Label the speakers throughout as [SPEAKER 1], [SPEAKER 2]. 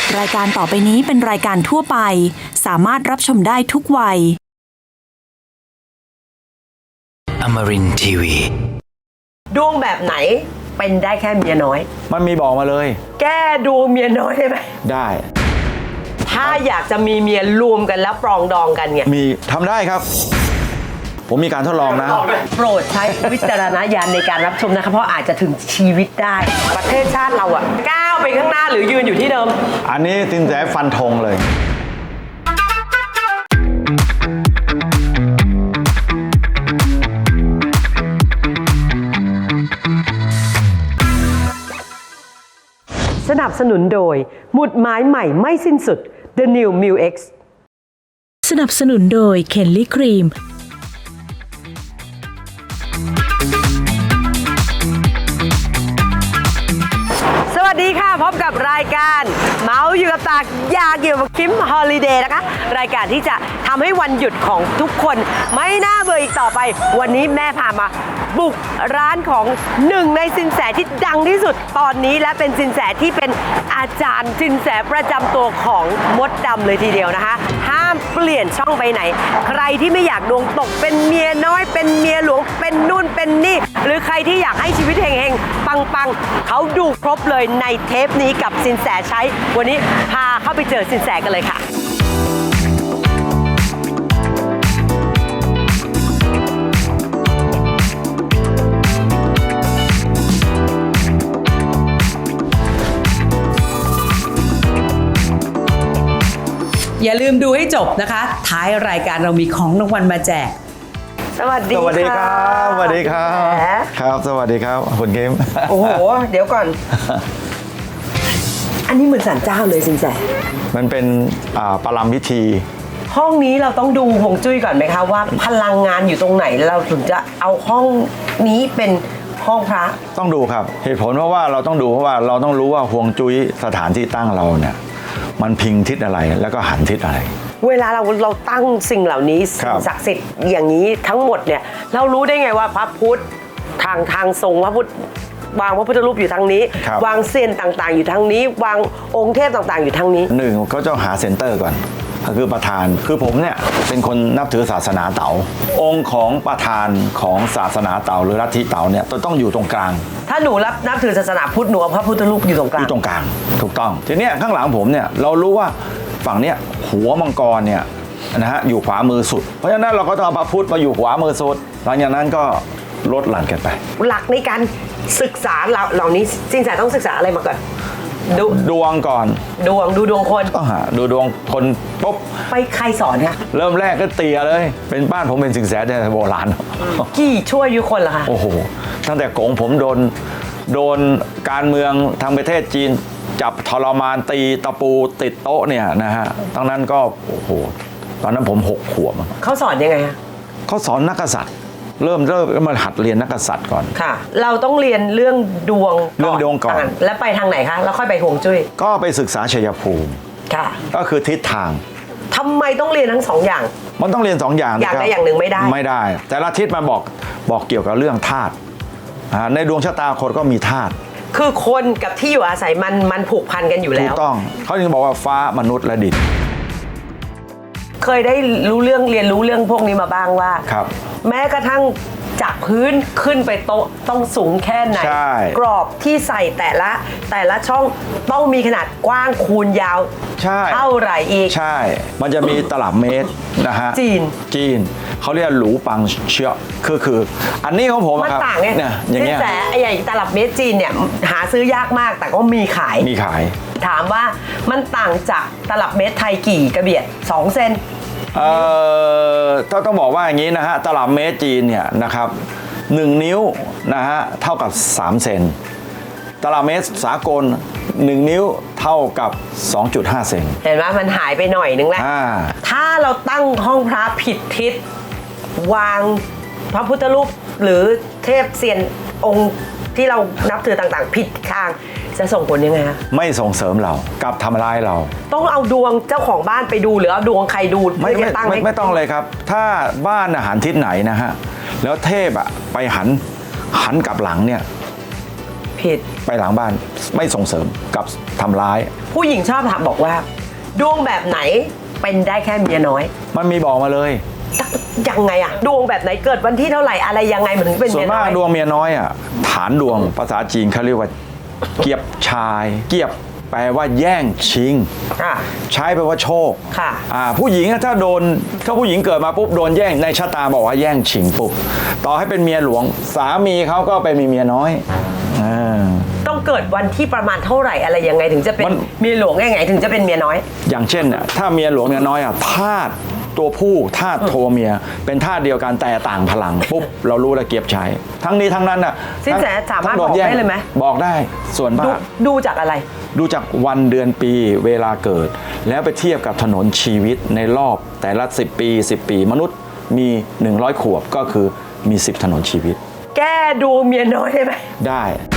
[SPEAKER 1] รายการต่อไปนี้เป็นรายการทั่วไปสามารถรับชมได้ทุกวัย
[SPEAKER 2] Amarin Tiwi
[SPEAKER 3] ดวงแบบไหนเป็นได้แค่เมียน้อย
[SPEAKER 4] มันมีบอกมาเลย
[SPEAKER 3] แก้ดวงเมียน้อยได้ไหม
[SPEAKER 4] ได้
[SPEAKER 3] ถ้าอยากจะมีเมียรวมกันแล้วปรองดองกันเนี่ย
[SPEAKER 4] มีทำได้ครับ ผมมีการทดลองนะ
[SPEAKER 3] โปรดใช้วิจารณญาณในการรับชมนะคะเพราะอาจจะถึงชีวิตได้ ประเทศชาติเราอะก้าวไปข้างหน้าหรือยืนอยู่ที่เดิม
[SPEAKER 4] อันนี้สินแสฟันธงเลย
[SPEAKER 3] สนับสนุนโดยหมุดหมายใหม่ไม่สิ้นสุด The New Mu X
[SPEAKER 1] สนับสนุนโดยเคนลี่ครีม
[SPEAKER 3] สวัสดีค่ะพบกับรายการเมาส์อยู่กับตากอยากอยู่กับคิมฮอลิเดย์นะคะรายการที่จะทำให้วันหยุดของทุกคนไม่น่าเบื่ออีกต่อไปวันนี้แม่พามาบุกร้านของหนึ่งในสินแสที่ดังที่สุดตอนนี้และเป็นสินแสที่เป็นอาจารย์สินแสประจำตัวของมดดำเลยทีเดียวนะคะห้ามเปลี่ยนช่องไปไหนใครที่ไม่อยากดวงตกเป็นเมียน้อยเป็นเมียหลวงเป็นนู่นเป็นนี่หรือใครที่อยากให้ชีวิตเฮงๆปังๆเขาดูครบเลยในเทปนี้กับสินแสใช้วันนี้พาเข้าไปเจอสินแสกันเลยค่ะอย่าลืมดูให้จบนะคะท้ายรายการเรามีของรางวัลมาแจกสวัสดี
[SPEAKER 4] สวัสดีครับสวัสดีครับ
[SPEAKER 3] แหม
[SPEAKER 4] ครับ สวัสดีครับคุณเกม
[SPEAKER 3] โอ้โห เดี๋ยวก่อน อันนี้เหมือนศาลเจ้าเลยสินแส
[SPEAKER 4] มันเป็นปรำพิธี
[SPEAKER 3] ห้องนี้เราต้องดูฮวงจุ้ยก่อนไหมคะว่าพลังงานอยู่ตรงไหนเราถึงจะเอาห้องนี้เป็นห้องพระ
[SPEAKER 4] ต้องดูครับ เหตุผลเพราะว่าเราต้องดูเพราะว่าเราต้องรู้ว่าฮวงจุ้ยสถานที่ตั้งเราเนี่ยมันพิงทิศอะไรแล้วก็หันทิศอะไร
[SPEAKER 3] เวลาเราตั้งสิ่งเหล่านี้
[SPEAKER 4] ครั
[SPEAKER 3] สิ่
[SPEAKER 4] บ
[SPEAKER 3] งศักดิ์สิทธิ์อย่างนี้ทั้งหมดเนี่ยเรารู้ได้ไงว่าพระพุทธทางทรงพระพุทธวางพระพุทธรูปอยู่ทางนี้ วางเซียนต่างๆ อยู่ทางนี้ วางองค์เทพต่างๆ อยู่ทางนี้
[SPEAKER 4] หนึ่งเขาจะหาเซ็นเตอร์ก่อนก็คือประธานคือผมเนี่ยเป็นคนนับถือศาสนาเต๋าองค์ของประธานของศาสนาเต๋าหรือลัทธิเต๋าเนี่ยต้องอยู่ตรงกลาง
[SPEAKER 3] ถ้าหนูนับถือศาสนาพุทธหนูเอาพระพุทธรูปอยู่ตรงกลา
[SPEAKER 4] อง ยู่ตรงกลางถูกต้องทีเนี้ยข้างหลังผมเนี่ยเรารู้ว่าฝั่งเนี้ยหัวมังกรเนี่ยนะฮะอยู่ขวามือสุดเพราะฉะนั้นเราก็ต้องเอาพระพุทธมาอยู่ขวามือสุดหลังจากนั้นก็ลดหลั่นกันไป
[SPEAKER 3] หลักในการศึกษาเหล่านี้สินแสต้องศึกษาอะไรมาก่อนดู
[SPEAKER 4] ดวงก่อน
[SPEAKER 3] ดูดวงคน
[SPEAKER 4] ต้องหาดูดวงคนปุ๊บ
[SPEAKER 3] ไปใครสอนคะ
[SPEAKER 4] เริ่มแรกก็เตียเลยเป็นบ้านผมเป็นสินแสแต่โบราณ
[SPEAKER 3] กี่ช่วยยุคนเหรอคะ
[SPEAKER 4] โอ้โหตั้งแต่กงผมโดนการเมืองทางประเทศจีนจับทรมานตีตะปูติดโต๊ะเนี่ยนะฮะตั้งนั้นก็โอ้โหตอนนั้นผม6 ขวบ
[SPEAKER 3] เขาสอนยังไงคะ
[SPEAKER 4] เขาสอนนักกษัตริย์เริ่มมาหัดเรียนนักกษัตริย์ก่อน
[SPEAKER 3] ค่ะ เราต้องเรียนเรื่องดวง
[SPEAKER 4] เรื่องดวงก่อน
[SPEAKER 3] แล้วไปทางไหนคะแล้วค่อยไปฮวงจุ้ย
[SPEAKER 4] ก็ไปศึกษาชัยภูมิ
[SPEAKER 3] ค่ะ
[SPEAKER 4] ก็คือทิศทาง
[SPEAKER 3] ทำไมต้องเรียนทั้งสองอย่าง
[SPEAKER 4] มันต้องเรียน2 อย่าง
[SPEAKER 3] อย่าง
[SPEAKER 4] นะครับ
[SPEAKER 3] ใดอย่างหนึ่งไม่ได้
[SPEAKER 4] ไม่ได้ แต่ละทิศมันบอกเกี่ยวกับเรื่องธาตุในดวงชะตาคนก็มีธาตุ
[SPEAKER 3] คือคนกับที่อยู่อาศัยมันผูกพันกันอยู่
[SPEAKER 4] ถู
[SPEAKER 3] แล้
[SPEAKER 4] ก
[SPEAKER 3] ว
[SPEAKER 4] ต้องเขาจึงบอกว่าฟ้ามนุษย์และดิน
[SPEAKER 3] เคยได้เรียนรู้เรื่องพวกนี้มาบ้างว่า
[SPEAKER 4] ครับ
[SPEAKER 3] แม้กระทั่งจากพื้นขึ้นไปโต๊ะต้องสูงแค่ไหน
[SPEAKER 4] ใช่
[SPEAKER 3] กรอบที่ใส่แต่ละช่องต้องมีขนาดกว้างคูณยาว
[SPEAKER 4] ใช่
[SPEAKER 3] เท่าไหร่อีก
[SPEAKER 4] ใช่ มันจะมีตลับเมตรนะฮะ จีนเขาเรียกหลูปังเชียคืออันนี้ของผม
[SPEAKER 3] มัน
[SPEAKER 4] ครับ
[SPEAKER 3] ต่างไง
[SPEAKER 4] เนี่ยอย่างเงี้ย
[SPEAKER 3] แต่ไอ้ใหญ่ตลับเมตรจีนเนี่ยหาซื้อยากมากแต่ก็มีขาย
[SPEAKER 4] มีขาย
[SPEAKER 3] ถามว่ามันต่างจากตลับเมตรไทยกี่กระเบียด2 เซน
[SPEAKER 4] ต้องบอกว่าอย่างนี้นะฮะตลับเมตรจีนเนี่ยนะครับ1 นิ้วนะฮะเท่ากับ3 เซนตลับเมตรสากล1 นิ้วเท่ากับ 2.5 เซน
[SPEAKER 3] เห็นไหมมันหายไปหน่อยนึงแล้ว ถ้าเราตั้งห้องพระผิดทิศวางพระพุทธรูปหรือเทพเซียนองค์ที่เรานับถือต่างๆ ผิดทางจะส่งผลยังไงคะ
[SPEAKER 4] ไม่ส่งเสริมเรากลับทำร้ายเรา
[SPEAKER 3] ต้องเอาดวงเจ้าของบ้านไปดูหรือเอาดวงใครดู
[SPEAKER 4] ไม่
[SPEAKER 3] เพื่อจะตั้งให้
[SPEAKER 4] ไม่ต้องเลยครับ ถ้าบ้านหันทิศไหนนะฮะแล้วเทพไปหันกลับหลังเนี่ย
[SPEAKER 3] ผิด
[SPEAKER 4] ไปหลังบ้านไม่ส่งเสริมกับทำร้าย
[SPEAKER 3] ผู้หญิงชอบถามบอกว่า ดวงแบบไหนเป็นได้แค่เมียน้อย
[SPEAKER 4] มันมีบอกมาเลย
[SPEAKER 3] ยังไงอะดวงแบบไหนเกิดวันที่เท่าไหร่อะไรยังไงมันถึงเป็น
[SPEAKER 4] ส่ว
[SPEAKER 3] เมี
[SPEAKER 4] น
[SPEAKER 3] ยน้
[SPEAKER 4] มา
[SPEAKER 3] อก ย
[SPEAKER 4] ดวงเมียน้อยอ่ะฐานดวงภาษาจีนเขาเรียกว่าเกียบชาย เกียบแปลว่าแย่งชิง
[SPEAKER 3] อ่ะ
[SPEAKER 4] ใช้แปลว่าโชค
[SPEAKER 3] ค่ะ
[SPEAKER 4] ผู้หญิงอะถ้าผู้หญิงเกิดมาปุ๊บโดนแย่งในชะตาบอกว่าแย่งชิงปุ๊บต่อให้เป็นเมียหลวงสามีเขาก็ไปมีเมียน้อยอ่า
[SPEAKER 3] ต้องเกิดวันที่ประมาณเท่าไหร่อะไรยังไงถึงจะเป็น
[SPEAKER 4] มัน
[SPEAKER 3] เมียหลวงยังไงถึงจะเป็นเมียน้อย
[SPEAKER 4] อย่างเช่นน่ะถ้าเมียหลวงเมียน้อยอ่ะธาตุตัวผู้ธาตุโทเมียเป็นธาตุเดียวกันแต่ต่างพลังปุ๊บเรารู้แล้วเกียบใช้ทั้งนี้ทั้งนั้นน่ะ
[SPEAKER 3] สินแสสามารถ
[SPEAKER 4] ทั้งโน
[SPEAKER 3] บอก
[SPEAKER 4] แง
[SPEAKER 3] ได้เลยไหม
[SPEAKER 4] บอกได้ส่วนมา
[SPEAKER 3] ดู
[SPEAKER 4] ก
[SPEAKER 3] ดูจากอะไร
[SPEAKER 4] ดูจากวันเดือนปีเวลาเกิด แล้วไปเทียบกับถนนชีวิตในรอบแต่ละ10 ปี มนุษย์มี 100 ขวบก็คือมี 10 ถนนชีวิต
[SPEAKER 3] แก้ดูเมียน้อยได้ไหม
[SPEAKER 4] ได้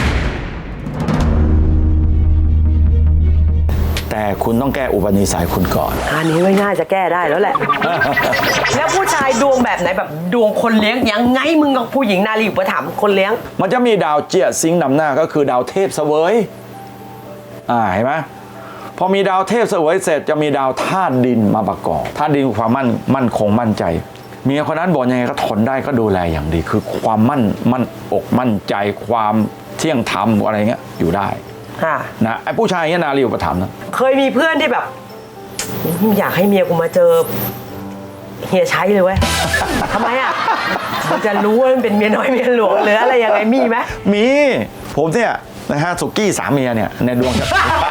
[SPEAKER 4] แต่คุณต้องแก้อุปนิสัยคุณก่อน
[SPEAKER 3] อันนี้ไม่น่าจะแก้ได้แล้วแหละ แล้วผู้ชายดวงแบบไหนแบบดวงคนเลี้ยงยังไงมึงกับผู้หญิงนารีอุปถัมภ์คนเลี้ยง
[SPEAKER 4] มันจะมีดาวเจียซิงค์นำหน้าก็คือดาวเทพเสวยเห็นไหมพอมีดาวเทพเสวยเสร็จจะมีดาวธาตุดินมาประกอบธาตุดินคือความมั่นคงมั่นใจเมียคนนั้นบอกยังไงก็ทนได้ก็ดูแลอย่างดี คือความมั่นอกมั่นใจความเที่ยงธรรมอะไรเงี้ยอยู่ได้
[SPEAKER 3] ค่ะ
[SPEAKER 4] นะไอ้ผู้ชายเงี้ยนารีอุปถัมภ์นะ
[SPEAKER 3] เคยมีเพื่อนที่แบบ อยากให้เมียกูมาเจอเฮียใช้เลยเว้ย ทำไมอ่ะมันจะรู้ว่ามันเป็นเมียน้อยเมียหลวงหรืออะไรยังไงมีไหม
[SPEAKER 4] มีผมเนี่ยนะฮะสุกี้สามเมียเนี่ยในดวงจะ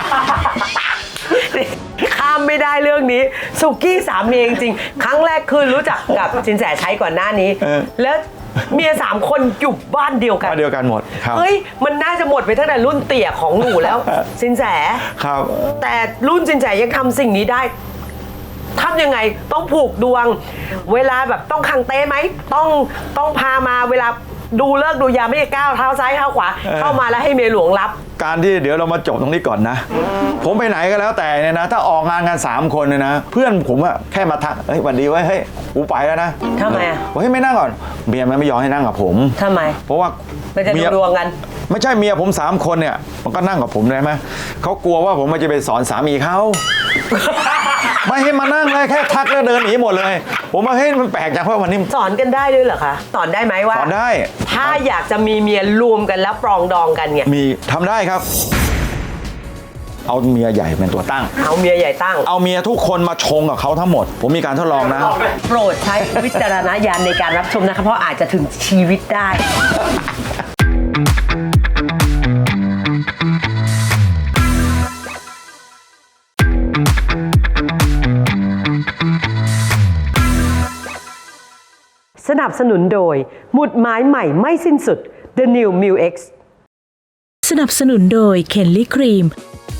[SPEAKER 3] ข้ามไม่ได้เรื่องนี้สุกี้สามีจริงๆครั้งแรกคือรู้จักกับสินแสใช้ก่อนหน้านี้ แล้วเมีย3 คนอยู่บ้านเดียวกัน
[SPEAKER 4] มาเดียวกันหมดครับ
[SPEAKER 3] เฮ้ยมันน่าจะหมดไปตั้งแต่รุ่นเตี่ยของหนูแล้ว สินแส
[SPEAKER 4] ครับ
[SPEAKER 3] แต่รุ่นสินแสยังทำสิ่งนี้ได้ทำยังไงต้องผูกดวง เวลาแบบต้องคังเต้ไหมต้องพามาเวลาดูเลิกษ์ดูยามไม่ได้ก้าวเท้าซ้ายเท้าขวาเข้ามาแล้วให้เมียหลวงรับ
[SPEAKER 4] การที่เดี๋ยวเรามาจบตรงนี้ก่อนนะ ผมไปไหนก็แล้วแต่เนี่ยนะ ถ้าออกงานกัน3 คนเนี่ยนะ เพื่อนผมอะแค่มาทักเฮ้ยหวันดีไว้ยเฮ้ยกูไปแล้วนะ
[SPEAKER 3] ทำไมอะ
[SPEAKER 4] เฮ้ยไม่นั่งก่อนเมียมันไม่ยอมให้นั่งกับผม
[SPEAKER 3] ทำไม
[SPEAKER 4] เพราะว่า
[SPEAKER 3] มันจะดูดวงกัน
[SPEAKER 4] ไม่ใช่เมียผม3 คนเนี่ยมันก็นั่งกับผมได้ไหมเขากลัวว่าผมมันจะไปสอนสามีเขา ไม่ให้มานั่งเลยแค่ทักแล้วเดินหนีหมดเลย ผมว่าเฮ้ยมันแปลกจังเพราะวันนี้
[SPEAKER 3] สอนกันได้ด้วยเหรอคะสอนได้ไหมว่า
[SPEAKER 4] สอนได้
[SPEAKER 3] ถ้าอยากจะมีเมียรวมกันแล้วปรองดองกันเนี่ย
[SPEAKER 4] มีทำได้ครับ เอาเมียใหญ่เป็นตัวตั้ง
[SPEAKER 3] เอาเมียใหญ่ตั้ง
[SPEAKER 4] เอาเมียทุกคนมาชงกับเขาทั้งหมด ผมมีการทดลองนะ
[SPEAKER 3] โปรดใช้วิจารณญาณในการรับชมนะคะเพราะอาจจะถึงชีวิตได้ สนับสนุนโดยหมุดหมายใหม่ไม่สิ้นสุด The New Mu X
[SPEAKER 1] สนับสนุนโดยเคนลี่ครีม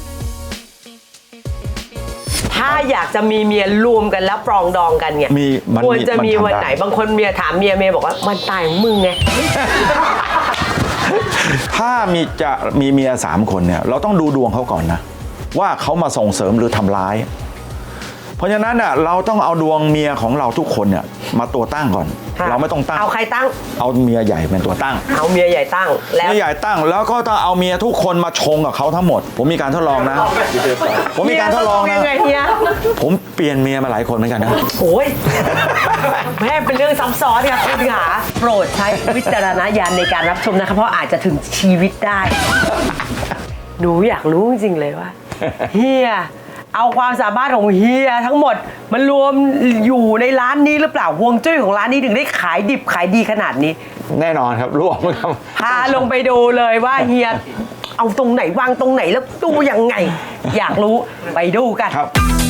[SPEAKER 3] ถ้าอยากจะมีเมียรวมกันแล้วปรองดองกันเนี่ย
[SPEAKER 4] มัน
[SPEAKER 3] ควรจะมี
[SPEAKER 4] มันทำ
[SPEAKER 3] วันไหน
[SPEAKER 4] ได้
[SPEAKER 3] บางคนเมียถามเมียบอกว่าวันตายของมึงไง
[SPEAKER 4] ถ้าจะมีเมีย3 คนเนี่ยเราต้องดูดวงเขาก่อนนะ ว่าเขามาส่งเสริมหรือทำร้าย เพราะฉะนั้นน่ะเราต้องเอาดวงเมียของเราทุกคนเนี่ยมาตัวตั้งก่อน
[SPEAKER 3] ค่ะ
[SPEAKER 4] เราไม่ต้องตั้ง
[SPEAKER 3] เอาใครตั้ง
[SPEAKER 4] เอาเมียใหญ่เป็นตัวตั้ง
[SPEAKER 3] เอาเมียใหญ่ตั้งแล้ว
[SPEAKER 4] เมียใหญ่ตั้งแล้วก็ต้องเอาเมียทุกคนมาชงกับเขาทั้งหมด ผมมีการทดลองนะ ผมมีการทดลอง
[SPEAKER 3] เมี
[SPEAKER 4] นะ
[SPEAKER 3] ยยังไงเฮีย
[SPEAKER 4] ผมเปลี่ยนเมียมาหลายคนเหมือนกันนะ
[SPEAKER 3] โอ้ยแม่เป็นเรื่องซับซ้อนค่ะคุณขาโปรดใช้วิจารณญาณในการรับชมนะคะเพราะอาจจะถึงชีวิตได้ หนูอยากรู้จริงๆเลยว่าเฮียเอาความสามารถของเฮียทั้งหมดมันรวมอยู่ในร้านนี้หรือเปล่าฮวงจุ้ยของร้านนี้ถึงได้ขายดิบขายดีขนาดนี้
[SPEAKER 4] แน่นอนครับรวมครับ
[SPEAKER 3] พาลงไปดูเลยว่าเฮียเอาตรงไหนวางตรงไหนแล้วดูยังไง อยากรู้ไปดูกัน
[SPEAKER 4] ครับ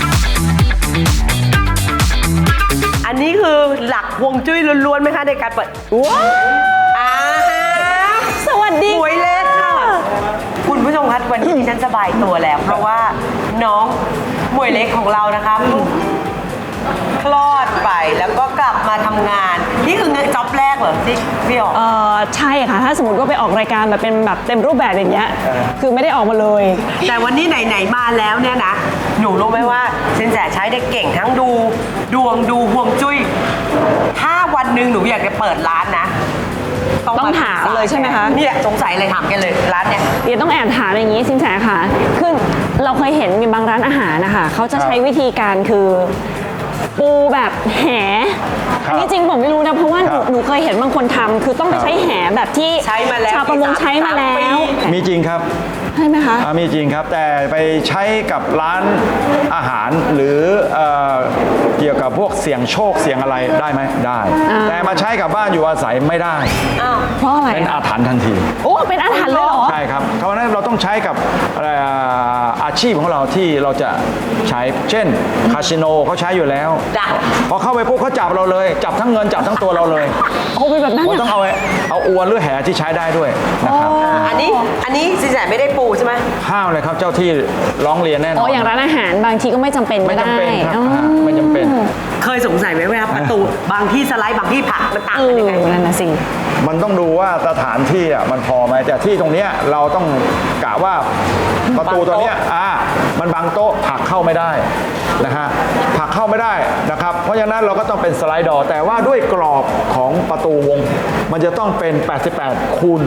[SPEAKER 3] อันนี้คือหลักฮวงจุ้ยล้วนๆไหมคะในการเปิดว้าวอ่าสวัสดีหวยเล็กค่ะ คุณผู้ชมคะวันนี้ดิฉันสบายตัวแล้ว เพราะว่าน้องหมวยเล็กของเรานะคะเพิ่งคลอดไปแล้วก็กลับมาทำงาน นี่คืองานจ็อบแรกเหรอที่พี่ออก
[SPEAKER 5] ใช่ค่ะ ถ้าสมมติว่าไปออกรายการแบบเป็นแบบเต็มรูปแบบอย่างเงี้ยคือไม่ได้ออกมาเลย
[SPEAKER 3] แต่วันนี้ไหนๆมาแล้วเนี่ยนะ หนูรู้ไหมว่าสินแสใช้ได้เก่งทั้งดูดวงดูฮวงจุ้ย ถ้าวันหนึ่งหนูอยากจะเปิดร้านนะ
[SPEAKER 5] ต้องถามเลยใช่ไหมคะ
[SPEAKER 3] เนี่ยสงสัยอะไรถามกันเลยร้านเนี่ย
[SPEAKER 5] เดี๋ยวต้องแอบถามอย่างนี้สินแสค่ะคือเราเคยเห็นมีบางร้านอาหารนะคะเขาจะใช้วิธีการคือปูแบบแห
[SPEAKER 4] ครับ
[SPEAKER 5] อันนี้จริงผมไม่รู้นะเพราะว่า
[SPEAKER 4] ครับ
[SPEAKER 5] หนูเคยเห็นบางคนทำคือต้องไปใช้แหแบบที่
[SPEAKER 3] ใช้มาแล้ว
[SPEAKER 5] ชาวประมงใช้มาแล้
[SPEAKER 3] ปี
[SPEAKER 5] ว
[SPEAKER 4] มีจริงครับ
[SPEAKER 5] ใช่ไหมคะ
[SPEAKER 4] มีจริงครับ แต่ไปใช้กับร้านอาหารหรือเกี่ยวกับพวกเสี่ยงโชคเสี่ยงอะไรได้ไหมได้ แต่มาใช้กับบ้านอยู่อาศัยไม่ได้
[SPEAKER 5] เพราะอะไร
[SPEAKER 4] เป็นอาถรรพ์ทันที
[SPEAKER 5] โอ้เป็นอาถรรพ์เลยเหรอ
[SPEAKER 4] ใช่ครับเพราะฉะนั้นเราต้องใช้กับอาชีพของเราที่เราจะใช้ เช่นคาสิโนเขาใช้อยู่แล้ว
[SPEAKER 3] จ้ะ
[SPEAKER 4] พอเข้าไปปุ๊บเขาจับเราเลย จับทั้งเงินจับทั้งตัวเราเลย
[SPEAKER 5] โอ้เป็นแบบนั้น
[SPEAKER 4] ผม
[SPEAKER 5] เหร
[SPEAKER 4] ต้อ
[SPEAKER 5] อง
[SPEAKER 4] เอาอวนหรือแหที่ใช้ได้ด้วยนะครับ
[SPEAKER 3] อันนี้สินแสไม่ได้ปูใช่ไหม
[SPEAKER 4] ห้ามเลยครับเจ้าที่ร้องเรียนแน่นอน
[SPEAKER 5] อ๋ออย่างร้านอาหารบางทีก็ไม่จำเป็น
[SPEAKER 4] ไม่
[SPEAKER 5] ก็
[SPEAKER 4] จำ
[SPEAKER 5] ได้
[SPEAKER 4] เป็นครับ
[SPEAKER 5] อ๋อ
[SPEAKER 4] ไม่จำเป็น
[SPEAKER 3] เคยสงสัยไหมเวลาประตูบางที่สไลด์บางที่ผลักมันต่าง
[SPEAKER 5] เอ
[SPEAKER 3] กัน
[SPEAKER 5] อ
[SPEAKER 3] ยังไง
[SPEAKER 5] นั่นน่ะสิ
[SPEAKER 4] มันต้องดูว่าสถานที่อ่ะมันพอไหมแต่ที่ตรงเนี้ยเราต้องกะว่าประตูตัวเนี้ยมันบังโต๊ะผลักเข้าไม่ได้นะฮะผลักเข้าไม่ได้นะครับเพราะฉะนั้นเราก็ต้องเป็นสไลด์ดอร์แต่ว่าด้วยกรอบของประตูวง มันจะต้องเป็น 88 คูณ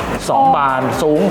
[SPEAKER 4] 2 บานสูง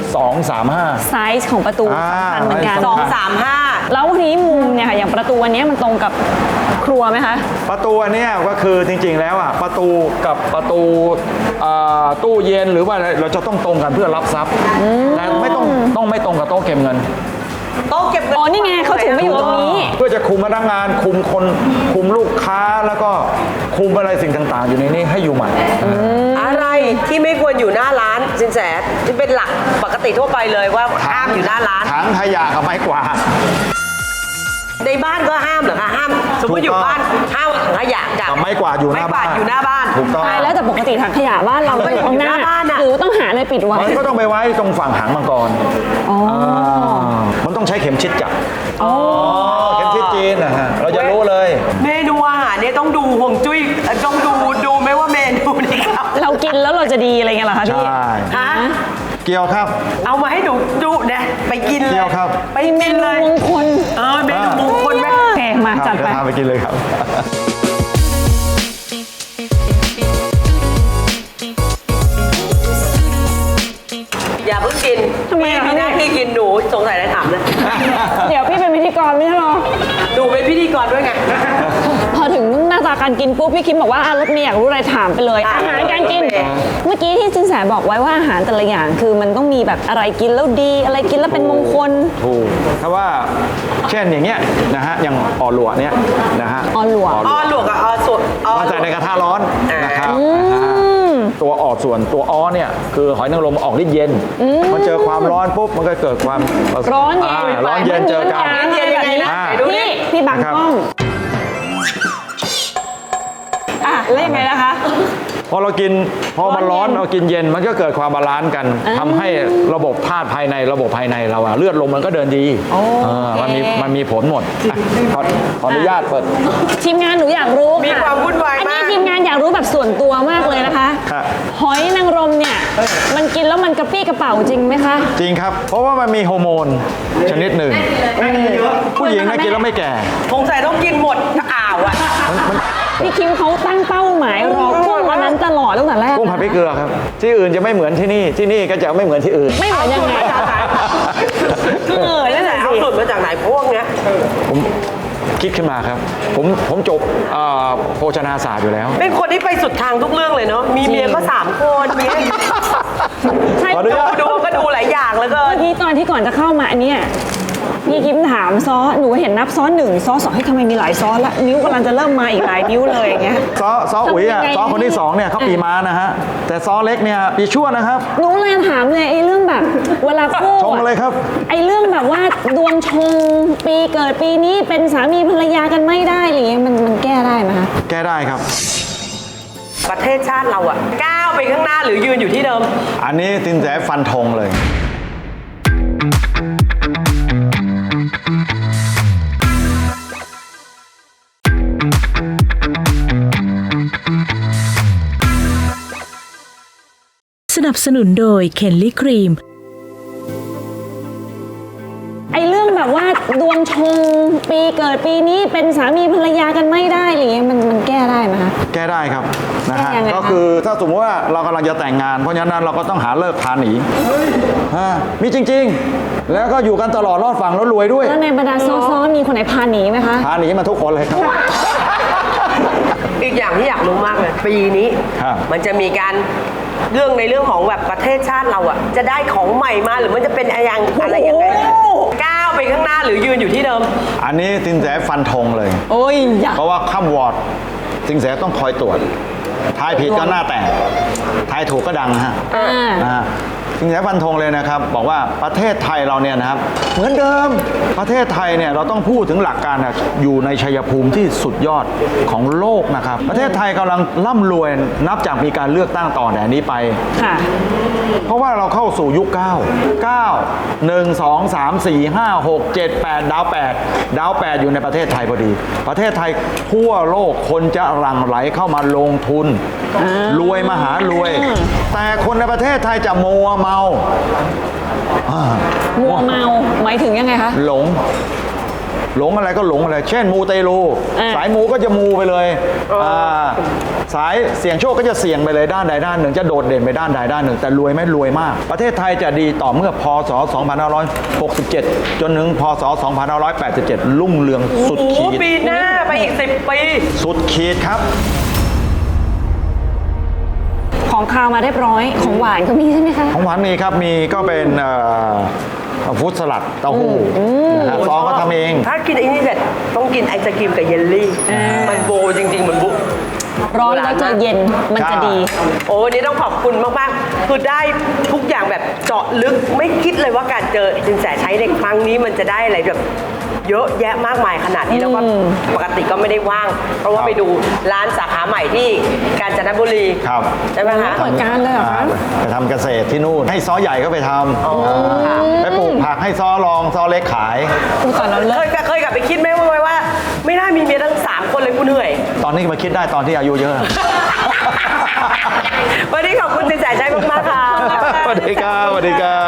[SPEAKER 4] 235
[SPEAKER 5] ไซส์ของประตูสำคัญเหมือนกัน
[SPEAKER 3] สองสามห้า
[SPEAKER 5] แล้วทีนี้มุมเนี่ยค่ะอย่างประตูอันเนี้ยมันตรงกับครัวไหมคะ
[SPEAKER 4] ประตูอันเนี้ยก็คือจริงๆแล้วอ่ะประตูกับประตูตู้เย็นหรือว่าอะไรเราจะต้องตรงกันเพื่อรับทรัพย์แต่ไม่ตรงกับโต๊ะเก็บเงิน
[SPEAKER 3] โต๊ะเก็บเงิน
[SPEAKER 5] อ๋อนี่ไงเขาถึงไม่อยู่ตรงนี้
[SPEAKER 4] เพื่อจะคุมพนักงานคุมคนคุมลูกค้าแล้วก็คุมอะไรสิ่งต่างๆ อยู่ในนี้ให้อยู่ใหม่
[SPEAKER 3] อะไรที่ไม่ควรอยู่หน้าร้านสินแสที่เป็นหลักปกติทั่วไปเลยว่าห้ามอยู่หน้าร้าน
[SPEAKER 4] ถังขยะกับไม้กวาด
[SPEAKER 3] ในบ้านก็ห้ามเหรอคะห้าม สมมติอยู่บ้านห้ามถังขยะกับ
[SPEAKER 4] กับไม้กวาดอยู่หน้าบ้าน
[SPEAKER 3] ไม้กวดอยู่หน้าบ้าน
[SPEAKER 4] ถูกต้อง
[SPEAKER 5] ใช่แล้วแต่ปกติถังขยะบ้านเราก็อยู่ข้างหน้า
[SPEAKER 3] อยู่หน้าบ้านอะ
[SPEAKER 5] หรือต้องหาอะไรปิดไว้
[SPEAKER 4] มันก็ต้องไปไว้ตรงฝั่งหางมังกรมันต้องใช้เข็มชิดจับเข็มชิดจีนนะฮะเราจะรู้เลย
[SPEAKER 3] เมนูอาหารเนี่ยต้องดูห่วงจุ้ยต้องดูไหมว่าเมนูนี้ครับ
[SPEAKER 5] เรากินแล้วเราจะดีอะไรเงี้ยเหรอคะพี่
[SPEAKER 4] ใช่
[SPEAKER 3] ฮะ
[SPEAKER 4] เกี่ยวครับ
[SPEAKER 3] เอามาให้ดูนะไปกินเลย
[SPEAKER 4] เกี่ยวครับ
[SPEAKER 3] ไปกินเลย
[SPEAKER 5] มงคล
[SPEAKER 3] เมนูมงคลไหม
[SPEAKER 5] โอเคมาจัดไป
[SPEAKER 4] ทานไปกินเลยครับ
[SPEAKER 3] อย่าเพิ่งกิน
[SPEAKER 5] ทำไมอะคะ
[SPEAKER 3] พี่หน้าที่กินหนูสงสัยอะไรถามเลย
[SPEAKER 5] เดี๋ยวพี่เป็นพิธีกรไม่ใช่เหรอ
[SPEAKER 3] หนูเป็นพิธีกรด้วยไง
[SPEAKER 5] พอถึงหน้าตาการกินปุ๊บพี่คิมบอกว่ารถเมย์อยากรู้อะไรถามไปเลย
[SPEAKER 3] อ่ะ
[SPEAKER 5] อาหารการกิน
[SPEAKER 3] โอเค
[SPEAKER 5] เมื่อกี้ที่จินแสบอกไว้ว่าอาหารแต่ละอย่างคือมันต้องมีแบบอะไรกินแล้วดี อะไรกินแล้วเป็นมงคล
[SPEAKER 4] ถูกถ้าว่าเช่นอย่างเงี้ยนะฮะอย่างอ่อหลวเนี้ยนะฮะ
[SPEAKER 5] อ่อหลว
[SPEAKER 3] อ้อหลวกกับอ้อสดอ้อ
[SPEAKER 4] มา
[SPEAKER 3] หล
[SPEAKER 4] ใส่
[SPEAKER 3] วก
[SPEAKER 4] ในกระทะร้อนนะครับนะฮะตัวออกส่วนตัวอ้อเนี่ยคือหอยนางรมออกฤทธิ์เย็นมันเจอความร้อนปุ๊บมันก็เกิดความ
[SPEAKER 5] ร้อนเย็น
[SPEAKER 4] ร้อนเย็นเจอกัน
[SPEAKER 3] เย็นยังไงนะ
[SPEAKER 4] อ่า
[SPEAKER 3] ไหนดูดิ
[SPEAKER 5] พี่บัง
[SPEAKER 4] ครับ
[SPEAKER 5] กล้องแล้วยังไงนะคะ
[SPEAKER 4] พอเรากินพอมันร้อนเรากินเย็นมันก็เกิดความบาลานซ์กันทำให้ระบบธาตุภายในระบบภายในเราอะเลือดลมมันก็เดินดีมันมีผลหมดอ่ะขออนุญาตเปิด
[SPEAKER 5] ทีมงานหนูอยากรู้ค่ะ
[SPEAKER 3] มีความวุ่นวาย
[SPEAKER 5] อัน
[SPEAKER 3] มา
[SPEAKER 5] นี้
[SPEAKER 3] ก
[SPEAKER 5] ทีมงานอยากรู้แบบส่วนตัวมากเลยนะคะ
[SPEAKER 4] ครับ
[SPEAKER 5] หอยนางรมเนี่ยมันกินแล้วมันกระปี้กระเป๋าจริงไหมคะ
[SPEAKER 4] จริงครับ เพราะว่ามันมีฮอร์โมนชนิดหนึ่งผู้หญิงนะกินแล้วไม่แก่
[SPEAKER 3] สงสัยต้องกินหมดอ่าวอ่ะ
[SPEAKER 5] พี่คิมเขาตั้งเป้าหมายรอกุ้งวันนั้นตลอดตั้งแต่แรก
[SPEAKER 4] กุ้งผัดพริกเกลือครับ ที่อื่นจะไม่เหมือนที่นี่ที่นี่ก็จะไม่เหมือนที่อื่น
[SPEAKER 5] ไม่เหมือนยังไงนั่นแหละ
[SPEAKER 3] เอา
[SPEAKER 5] สิ
[SPEAKER 3] สูตรมาจากไหนพวกเนี้ย
[SPEAKER 4] ผมคิดขึ้นมาครับ ผมจบโภชนาศาสตร์อยู่แล้ว
[SPEAKER 3] เป็นคนที่ไปสุดทางทุกเรื่องเลยเนาะมีเมียก็3 คนเมีย
[SPEAKER 5] ใช่
[SPEAKER 4] ขออนุญาต
[SPEAKER 3] ดูก็ดูหลายอย่างแล้วก็
[SPEAKER 5] เมื่อกี้ตอนที่ก่อนจะเข้ามาอันเนี้ยพี่คิมถามซอสหนูเห็นนับซอส1ซอส2ให้ยทำไมมีหลายซอสละนิ้วกำลังจะเริ่มมาอีกหลายนิ้วเลยอย่างเงี้ย
[SPEAKER 4] ซออุ๋ยอ่ะ
[SPEAKER 5] ทำยังไง
[SPEAKER 4] ซอคนที่2เนี่ยเขาปีม้านะฮะแต่ซอเล็กเนี่ยปีชั่วนะครับ
[SPEAKER 5] หนูเลยถามเลยไอ้เรื่องแบบเวลาคู่
[SPEAKER 4] ชงเลยครับ
[SPEAKER 5] ไอ้เรื่องแบบว่าดวงชงปีเกิดปีนี้เป็นสามีภรรยากันไม่ได้อะไรอย่างเงี้ยมันแก้ได้ไหมคะ
[SPEAKER 4] แก้ได้ครับ
[SPEAKER 3] ประเทศชาติเราอะก้าวไปข้างหน้าหรือยืนอยู่ที่เดิม
[SPEAKER 4] อันนี้สินแสฟันธงเลย
[SPEAKER 1] สนับสนุนโดยเคนลี่ครีม
[SPEAKER 5] ไอ้เรื่องแบบว่าดวงชงปีเกิดปีนี้เป็นสามีภรรยากันไม่ได้อะไรเงี้ยมันแก้ได้ไหมคะ
[SPEAKER 4] แก้ได้ครับนะฮะ
[SPEAKER 5] แก้ยังไงคะ
[SPEAKER 4] ก็คือถ้าสมมติว่าเรากำลังจะแต่งงาน เพราะฉะนั้นเราก็ต้องหาเลิกพาหนีมีจริงๆ แล้วก็อยู่กันตลอดรอดฝั่งแล้วรวยด้วย
[SPEAKER 5] แล้วในบรรดาซ้อมีคนไหนพาหนีไหมคะ
[SPEAKER 4] พาหนีมาทุกคนเลยครับ
[SPEAKER 3] อีกอย่างที่อยากรู้มากเลย ปีนี้
[SPEAKER 4] ครับ
[SPEAKER 3] มันจะมีการเรื่องของแบบประเทศชาติเราอะจะได้ของใหม่มาหรือมันจะเป็นอะไรยังไงก้าวไปข้างหน้าหรือยืนอยู่ที่เดิม
[SPEAKER 4] อันนี้สินแสฟันธงเลย
[SPEAKER 5] โอ้ยอยาก
[SPEAKER 4] เพราะว่าข้ามวอร์ดสินแสต้องคอยตรวจทายผิดก็หน้าแตกทายถูกก็ดังฮะ สินแสฟันธงเลยนะครับบอกว่าประเทศไทยเราเนี่ยนะครับเหมือนเดิมประเทศไทยเนี่ยเราต้องพูดถึงหลักการนะอยู่ในชัยภูมิที่สุดยอดของโลกนะครับประเทศไทยกำลังร่ำรวยนับจากมีการเลือกตั้งต่อแต่นี้ไป
[SPEAKER 5] ค่ะ
[SPEAKER 4] เพราะว่าเราเข้าสู่ยุค 9 1 2 3 4 5 6 7 8 ดาว 8 ดาว 8 อยู่ในประเทศไทยพอดี ประเทศไทยทั่วโลกคนจะหลั่งไหลเข้ามาลงทุน รวยมหารวย แต่คนในประเทศไทยจะมัวเมา
[SPEAKER 5] มัวเมาหมายถึงยังไงคะ
[SPEAKER 4] หลงอะไรก็หลงอะไร เช่นมูเตลู สายมูก็จะมูไปเลยสายเสี่ยงโชคก็จะเสี่ยงไปเลยด้านใดด้านหนึ่งจะโดดเด่นไปด้านใดด้านหนึ่งแต่รวยไหมรวยมาก ประเทศไทยจะดีต่อเมื่อพศ 2567 จนถึงพศ 2587 รุ่งเรืองสุดขีด
[SPEAKER 3] ปีหน้าไปอีก10 ปี
[SPEAKER 4] สุดขีดครับ
[SPEAKER 5] ของคาวมาเรียบร้อยของหวานก็มีใช่ไหมคะ
[SPEAKER 4] ของหวานมีครับ มีก็เป็นฟรุตสลัดเต้าหู้นะฮะซองก็ทำเอง
[SPEAKER 3] ถ้ากินไอ้นี่เสร็จต้องกินไอศกรีมกับเยลลี่ มันโบจริงๆ มันบุ
[SPEAKER 5] ร้อนแล้วจะเย็นมันจะดี
[SPEAKER 3] โอ้วันนี้ต้องขอบคุณมากๆ คือได้ทุกอย่างแบบเจาะลึกไม่คิดเลยว่าการเจอสินแสใช้ในครั้งนี้มันจะได้อะไรแบบเยอะแยะมากมายขนาดนี้แล้วก็ปกติก็ไม่ได้ว่าง เพราะว่าไปดูร้านสาขาใหม่ที่กาญจนบุรี
[SPEAKER 4] ครับ
[SPEAKER 3] ใช่ไหมคะ
[SPEAKER 5] เปิดการเลยเหรอคะ
[SPEAKER 4] ไปทำเกษตรที่นู่น ให้ซอใหญ่ก็ไปทำไปปลูกผักให้ซอรองซอเล็กขาย
[SPEAKER 5] อุยตอนเราเลิก
[SPEAKER 3] เคยกลับไปคิดไหมว่า ไม่น่ามีเมียทั้ง3 คนเลยกูเหนื่อย
[SPEAKER 4] ตอนนี้มาคิดได้ตอนที่อายุเยอะ
[SPEAKER 3] วันนี้ขอบคุณสินแสใช้มากๆค่ะ
[SPEAKER 4] สวัสดีครับสวัสดีครับ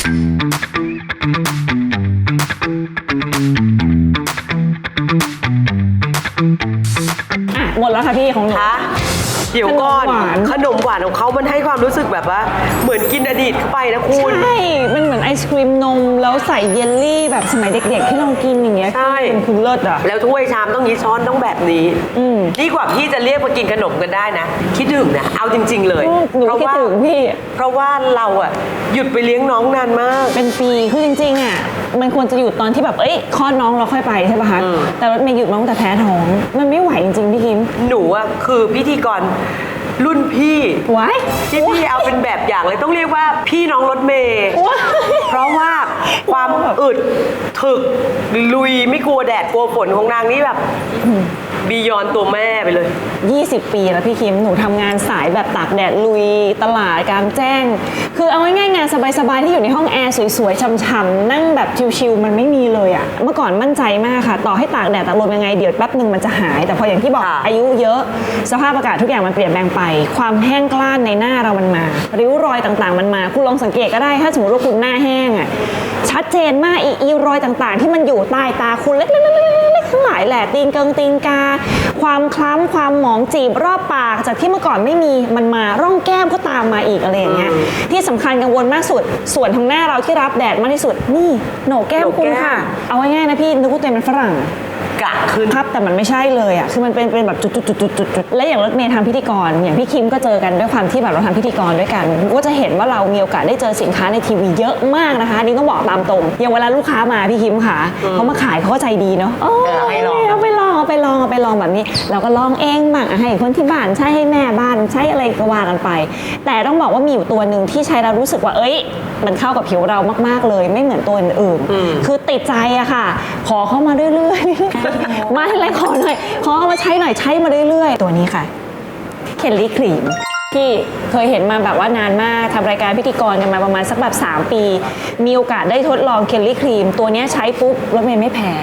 [SPEAKER 5] หมดแล้วค่ะพี่ของหนู
[SPEAKER 3] คะเดี๋ยวก่อน
[SPEAKER 5] ขนมหวาน
[SPEAKER 3] ขนมหวานของเขามันให้ความรู้สึกแบบว่า เหมือนกินอดีตเข้าไปนะคุณ
[SPEAKER 5] ใช่ มันเหมือนไอศครีมนมแล้วใส่เยลลี่แบบสมัยเด็กๆที่เรากินอย่างเงี้ย
[SPEAKER 3] ใช่
[SPEAKER 5] เป็นคุณเลิศอ่ะ
[SPEAKER 3] แล้วถ้วยชามต้องนี้ช้อนต้องแบบนี้ดีกว่าพี่จะเรียกมากินขนมกันได้นะ คิดถึงนะ เอาจริง ๆ เลย
[SPEAKER 5] หนูคิดถึงพี่
[SPEAKER 3] เพราะว่าเราอะหยุดไปเลี้ยงน้องนานมาก
[SPEAKER 5] เป็นปีคือจริงๆอ่ะมันควรจะหยุดตอนที่แบบคลอดน้องเราค่อยไปใช่ป่ะคะแต่รถเมย์หยุดมาตั้งแต่แพ้ท้องมันไม่ไหวจริงๆพี่คิม
[SPEAKER 3] หนูอะคือพิธีกรรุ่นพี่
[SPEAKER 5] ไว้
[SPEAKER 3] ที่พี่เอาเป็นแบบอย่างเลยต้องเรียกว่าพี่น้องรถเมย์
[SPEAKER 5] ว้าย
[SPEAKER 3] เพราะว่าความอึดถึกลุยไม่กลัวแดดกลัวฝนของนางนี่แบบบียอนตัวแม่ไปเลย
[SPEAKER 5] 20 ปีแล้วพี่คิมหนูทำงานสายแบบตากแดดลุยตลาดกลางแจ้ง คือเอาง่ายๆงานสบายๆที่อยู่ในห้องแอร์สวยๆช่ำๆนั่งแบบชิลๆมันไม่มีเลยอะเมื่อก่อนมั่นใจมากค่ะต่อให้ตากแดดตากลมยังไงเดี๋ยวแป๊บหนึ่งมันจะหาย แต่พออย่างที่บอก
[SPEAKER 3] ค่ะ
[SPEAKER 5] อายุเยอะสภาพอากาศทุกอย่างมันเปลี่ยนแปลงไป ความแห้งกร้านในหน้าเรามันมา ริ้วรอยต่างๆมันมาคุณลองสังเกตก็ได้ถ้าสมมติว่าคุณหน้าแห้งอะชัดเจนมากอีรอยต่างๆ ที่มันอยู่ใต้ตาคุณเล็กๆทั้งหลายแหละตีนเกิงตีนกาความคล้ำความหมองจีบรอบปากจากที่เมื่อก่อนไม่มีมันมาร่องแก้มก็ตามมาอีกอะไรอย่างเงี้ยที่สำคัญกังวลมากสุดส่วนทางหน้าเราที่รับแดดมากที่สุดนี่โหนกแก้มคุณค่ะเอาง่ายๆนะพี่นึกว่าตัวเองเป็นฝรั่ง
[SPEAKER 3] กะขึ้น
[SPEAKER 5] ครับแต่มันไม่ใช่เลยอ่ะคือมันเป็นแบบจุดๆๆๆและอย่างรถเมย์ทำพิธีกรอย่างพี่คิมก็เจอกันด้วยความที่แบบเราทำพิธีกรด้วยกันก็จะเห็นว่าเรามีโอกาสได้เจอสินค้าในทีวีเยอะมากนะคะนี่ต้องบอกตามตรงอย่างเวลาลูกค้ามาพี่คิมค่ะเขามาขายเขาก็ใจดีเนาะ
[SPEAKER 3] ให้ลอง
[SPEAKER 5] เอาไปลองแบบนี้เราก็ลองเองบ้างให้คนที่บ้านใช้ให้แม่บ้านใช้อะไรก็ว่ากันไป แต่ต้องบอกว่ามีอยู่ตัวหนึ่งที่ใช้แล้วรู้สึกว่ามันเข้ากับผิวเรามากๆเลยไม่เหมือนตัวอื่นๆคือติดใจอะค่ะขอเข้ามาเรื่อยๆ มาให้ไรขอหน่อยขอเอามาใช้หน่อยใช้มาเรื่อยๆตัวนี้ค่ะเคลลี่ครีมที่เคยเห็นมาแบบว่านานมากทำรายการพิธีกรกันมาประมาณสักแบบ3 ปีมีโอกาสได้ทดลองเคลลี่ครีมตัวนี้ใช้ปุ๊บรถเมย์ไม่แพ้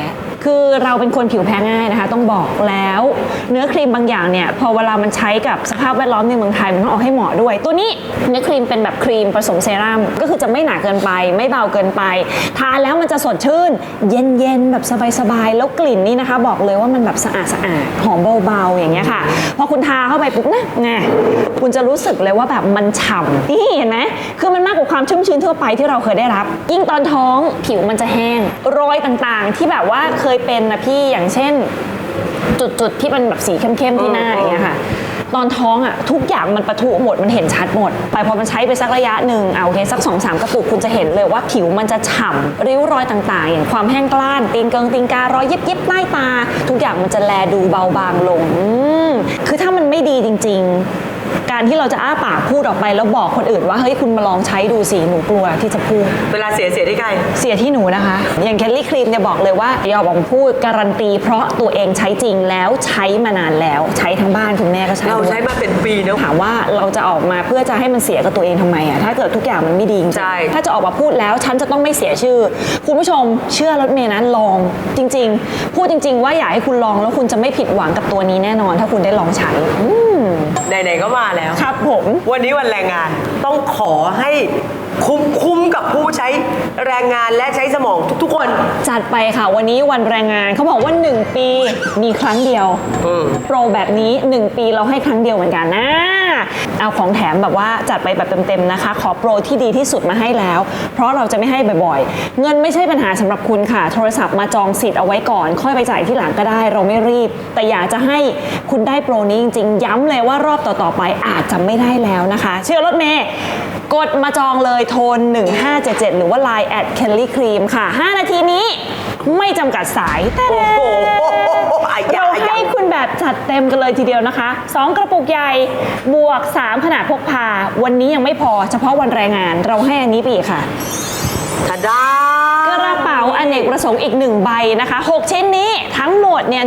[SPEAKER 5] คือเราเป็นคนผิวแพ้ง่ายนะคะต้องบอกแล้วเนื้อครีมบางอย่างเนี่ยพอเวลามันใช้กับสภาพแวดล้อมในเมืองไทยมันต้องเอาให้เหมาะด้วยตัวนี้เนื้อครีมเป็นแบบครีมผสมเซรั่มก็คือจะไม่หนาเกินไปไม่เบาเกินไปทาแล้วมันจะสดชื่นเย็นๆแบบสบายๆแล้วกลิ่นนี่นะคะบอกเลยว่ามันแบบสะอาดหอมเบาๆอย่างเงี้ยค่ะพอคุณทาเข้าไปปุ๊บนะไงคุณจะรู้สึกเลยว่าแบบมันฉ่ำนี่เห็นไหมคือมันมากกว่าความชุ่มชื้นทั่วไปที่เราเคยได้รับยิ่งตอนท้องผิวมันจะแห้งรอยต่างๆที่แบบว่าเคยเป็นนะพี่อย่างเช่นจุดที่มันแบบสีเข้มๆที่หน้าอย่างเงี้ยค่ะตอนท้องอ่ะทุกอย่างมันปะทุหมดมันเห็นชัดหมดไปพอมันใช้ไปสักระยะหนึ่งโอเคสัก 2-3 กระปุกคุณจะเห็นเลยว่าผิวมันจะฉ่ำริ้วรอยต่างๆอย่างความแห้งกร้านตีนการอยยิบใต้ตาทุกอย่างมันจะแลดูเบาบางลงคือถ้ามันไม่ดีจริงๆการที่เราจะอ้าปากพูดออกไปแล้วบอกคนอื่นว่าเฮ้ยคุณมาลองใช้ดูสิหนูกลัวที่จะพูด
[SPEAKER 3] เวลาเสียที่ใคร
[SPEAKER 5] เสียที่หนูนะคะอย่างแคลรี่ครีมเนี่ยบอกเลยว่าอย่าออกมาพูดการันตีเพราะตัวเองใช้จริงแล้วใช้มานานแล้วใช้ทั้งบ้านคุณแม่ก็ใช้
[SPEAKER 3] เราใช้มาเป็นปีนะ
[SPEAKER 5] ถามว่าเราจะออกมาเพื่อจะให้มันเสียกับตัวเองทำไมถ้าเกิดทุกอย่างมันไม่ดีจริงถ้าจะออกมาพูดแล้วฉันจะต้องไม่เสียชื่อคุณผู้ชมเชื่อรถเมย์นะลองจริงๆพูดจริงๆว่าอยากให้คุณลองแล้วคุณจะไม่ผิดหวังกับตัวนี้แน่นอนถ้าคุณได้ลองใช้
[SPEAKER 3] ไหนๆก็มาแล้ว
[SPEAKER 5] ครับผม
[SPEAKER 3] วันนี้วันแรงงานต้องขอให้คุ้มกับผู้ใช้แรงงานและใช้สมองทุกๆคน
[SPEAKER 5] จัดไปค่ะวันนี้วันแรงงานเขาบอกว่า1ปีมีครั้งเดียวโปรแบบนี้1ปีเราให้ครั้งเดียวเหมือนกันนะเอาของแถมแบบว่าจัดไปแบบเต็มๆนะคะขอโปรที่ดีที่สุดมาให้แล้วเพราะเราจะไม่ให้บ่อยๆเงินไม่ใช่ปัญหาสำหรับคุณค่ะโทรศัพท์มาจองสิทธิ์เอาไว้ก่อนค่อยไปจ่ายที่หลังก็ได้เราไม่รีบแต่อยากจะให้คุณได้โปรนี้จริงๆย้ำเลยว่ารอบต่อๆไปอาจจะไม่ได้แล้วนะคะเชื่อรถเมย์กดมาจองเลยโทร1577หรือว่า Line @kellycream ค่ะ5นาทีนี้ไม่จำกัดสายแต่เราให้คุณแบบจัดเต็มกันเลยทีเดียวนะคะ2กระปุกใหญ่บวก3ขนาดพกพาวันนี้ยังไม่พอเฉพาะวันแรงงานเราให้อันนี้ไปอีกค่ะ
[SPEAKER 3] ทะดาก
[SPEAKER 5] ระเป๋าอเนกประสงค์อีก1ใบนะคะ6ชิ้นนี้ทั้งหมดเนี่ย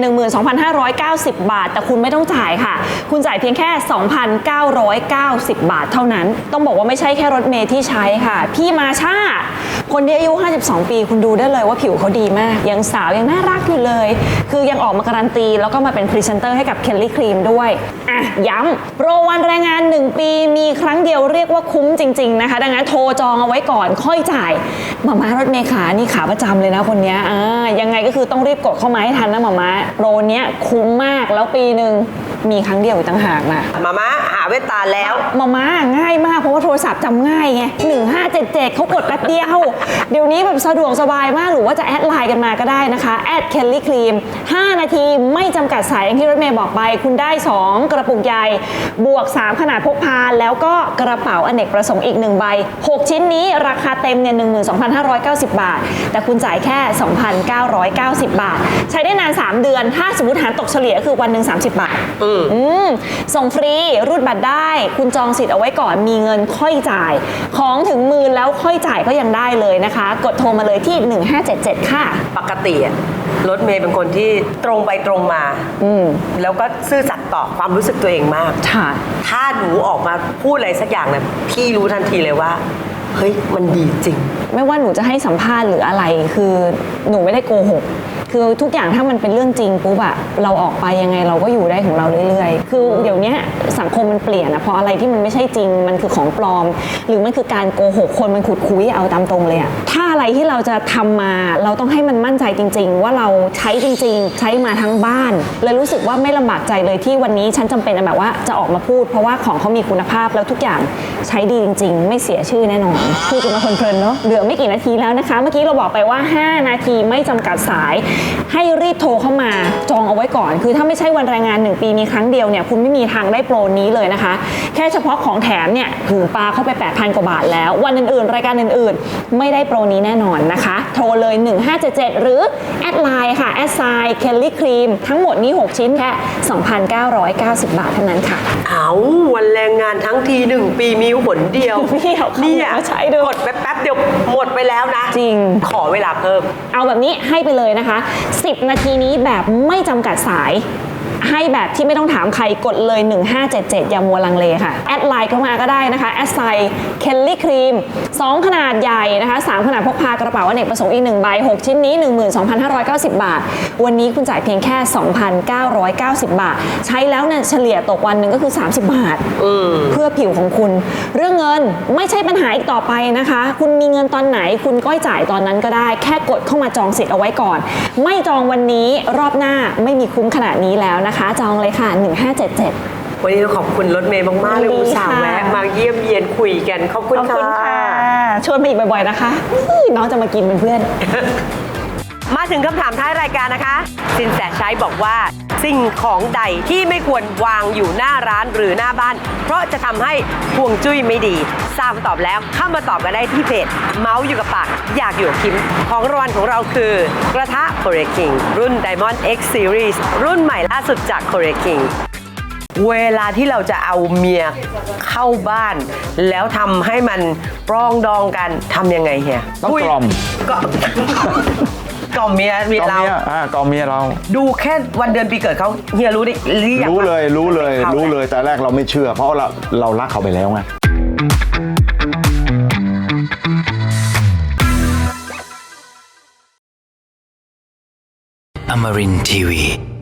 [SPEAKER 5] 12,590 บาทแต่คุณไม่ต้องจ่ายค่ะคุณจ่ายเพียงแค่ 2,990 บาทเท่านั้นต้องบอกว่าไม่ใช่แค่รถเมล์ที่ใช้ค่ะพี่มาช่าคนที่อายุ52ปีคุณดูได้เลยว่าผิวเขาดีมากยังสาวยังน่ารักอยู่เลยคือยังออกมาการันตีแล้วก็มาเป็นพรีเซนเตอร์ให้กับเคลลี่ครีมด้วยย้ำโปรวันแรงงาน1ปีมีครั้งเดียวเรียกว่าคุ้มจริงๆนะคะดังนั้นโทรจองเอาไว้ก่อนค่อยจ่ายหม่ารถเมล์ขานี่ขาประจำเลยนะคนนี้ยังไงก็คือต้องรีบกดเข้ามาให้ทันนะหม่าโปรเนี้ยคุ้มมากแล้วปีหนึ่งมีครั้งเดียวต่างหากนะ
[SPEAKER 3] หม่าหาเวตาแล้ว
[SPEAKER 5] หม่าง่ายมากเพราะว่าโทรศัพท์จำง่ายไง1577เขากดแป๊บเดียวเดี๋ยวนี้แบบสะดวกสบายมากหรือว่าจะแอดไลน์กันมาก็ได้นะคะ@kellycream 5นาทีไม่จำกัดสายอย่างที่รถเมย์บอกไปคุณได้2กระปุกใหญ่บวก3ขนาดพกพาแล้วก็กระเป๋าอเนกประสงค์อีก1ใบ6ชิ้นนี้ราคาเต็มเนี่ย 12,590 บาทแต่คุณจ่ายแค่ 2,990 บาทใช้ได้นาน3เดือนถ้าสมมติหารตกเฉลี่ยคือวันหนึ่ง30 บาทส่งฟรีรูดบัตรได้คุณจองสิทธิ์เอาไว้ก่อนมีเงินค่อยจ่ายของถึงมือแล้วค่อยจ่ายก็ยังได้เลยนะคะกดโทรมาเลยที่1577ค่ะ
[SPEAKER 3] ปกติรถเมย์เป็นคนที่ตรงไปตรงมาแล้วก็ซื่อสัตย์ต่อความรู้สึกตัวเองมากถ้าหนูออกมาพูดอะไรสักอย่างเนี่ยพี่รู้ทันทีเลยว่าเฮ้ยมันดีจริง
[SPEAKER 5] ไม่ว่าหนูจะให้สัมภาษณ์หรืออะไรคือหนูไม่ได้โกหกคือทุกอย่างถ้ามันเป็นเรื่องจริงปุ๊บอะเราออกไปยังไงเราก็อยู่ได้ของเราเรื่อยๆคือเดี๋ยวนี้สังคมมันเปลี่ยนอะเพราะอะไรที่มันไม่ใช่จริงมันคือของปลอมหรือมันคือการโกหกคนมันขุดคุยเอาตามตรงเลยอะถ้าอะไรที่เราจะทำมาเราต้องให้มันมั่นใจจริงๆว่าเราใช้จริงๆใช้มาทั้งบ้านเลยรู้สึกว่าไม่ลำบากใจเลยที่วันนี้ฉันจำเป็นแบบว่าจะออกมาพูดเพราะว่าของเขามีคุณภาพแล้วทุกอย่างใช้ดีจริงๆไม่เสียชื่อแน่นอนพูดกันมาเพลินๆเนาะเหลือไม่กี่นาทีแล้วนะคะเมื่อกี้เราบอกไปว่า5นาทีไม่จำกัดสายให้รีบโทรเข้ามาจองเอาไว้ก่อนคือถ้าไม่ใช่วันแรงงาน1ปีมีครั้งเดียวเนี่ยคุณไม่มีทางได้โปรนี้เลยนะคะแค่เฉพาะของแถมเนี่ยถึงปาเข้าไป 8,000 กว่าบาทแล้ววันอื่นๆรายการอื่นๆไม่ได้โปรนี้แน่นอนนะคะโทรเลย1577หรือแอดไลน์ค่ะ@kellycream ทั้งหมดนี้6ชิ้นแค่ 2,990 บาทเท่านั้นค่ะ
[SPEAKER 3] เอาวันแรงงานทั้งที1ปีมีหนเดียว
[SPEAKER 5] เนี่ยใช้ด้วย
[SPEAKER 3] กดแป๊บเดียวหมดไปแล้วนะ
[SPEAKER 5] จริง
[SPEAKER 3] ขอเวลาเพิ่ม
[SPEAKER 5] เอาแบบนี้ให้ไปเลยนะคะ10นาทีนี้แบบไม่จำกัดสายให้แบบที่ไม่ต้องถามใครกดเลย 1577 อย่ามัวลังเลค่ะ แอดไลน์เข้ามาก็ได้นะคะ แอดไซน์เคลลี่ครีม2ขนาดใหญ่นะคะ3ขนาดพกพากระเป๋าอเนกประสงค์อีก1ใบ6ชิ้นนี้ 12,590 บาทวันนี้คุณจ่ายเพียงแค่ 2,990 บาทใช้แล้วเนี่ยเฉลี่ยตกวันหนึ่งก็คือ30 บาทเพื่อผิวของคุณเรื่องเงินไม่ใช่ปัญหาอีกต่อไปนะคะคุณมีเงินตอนไหนคุณก็จ่ายตอนนั้นก็ได้แค่กดเข้ามาจองสิทธิ์เอาไว้ก่อนไม่จองวันนี้รอบหน้าไม่มีคุ้มขนาดนี้แล้วนะคะจองเลยค่ะ 1577
[SPEAKER 3] วันนี้ต้องขอบคุณรถเมย์มากๆเลย
[SPEAKER 5] ยินดี
[SPEAKER 3] อุตส่าห์
[SPEAKER 5] ค่ะ
[SPEAKER 3] แวะมาเยี่ยมเยียนคุยกันขอบคุณ
[SPEAKER 5] ขอบคุณ
[SPEAKER 3] ค่ะ
[SPEAKER 5] ค่ะชวนมาอีกบ่อยๆนะคะน้องจะมากินเป็นเพื่อน
[SPEAKER 3] มาถึงคำถามท้ายรายการนะคะสินแสชัยบอกว่าสิ่งของใดที่ไม่ควรวางอยู่หน้าร้านหรือหน้าบ้าน เพราะจะทำให้ฮวงจุ้ยไม่ดีทราบคำตอบแล้วเข้ามาตอบกันได้ที่เพจเมาส์อยู่กับปากอยากอยู่กับคิมของรางวัลของเราคือกระทะ Korea King รุ่น Diamond X Series รุ่นใหม่ล่าสุดจาก Korea King เวลาที่เราจะเอาเมียเข้าบ้าน แล้วทำให้มันปรองดองกันทำยังไงเฮีย
[SPEAKER 4] ต้องกล่อม
[SPEAKER 3] ก็กล่อมเมีย
[SPEAKER 4] กล่อม
[SPEAKER 3] เรา
[SPEAKER 4] เมียกล่อมเมียเรา
[SPEAKER 3] ดูแค่วันเดือนปีเกิดเขาเฮียรู้ดิหรือยัง
[SPEAKER 4] รู้เลย
[SPEAKER 3] ว่า
[SPEAKER 4] รู้เลย
[SPEAKER 3] ขา
[SPEAKER 4] รู้เลยแต่แรกเราไม่เชื่อ เพราะเรารักเขาไปแล้วไง
[SPEAKER 2] Amarin Tiwi.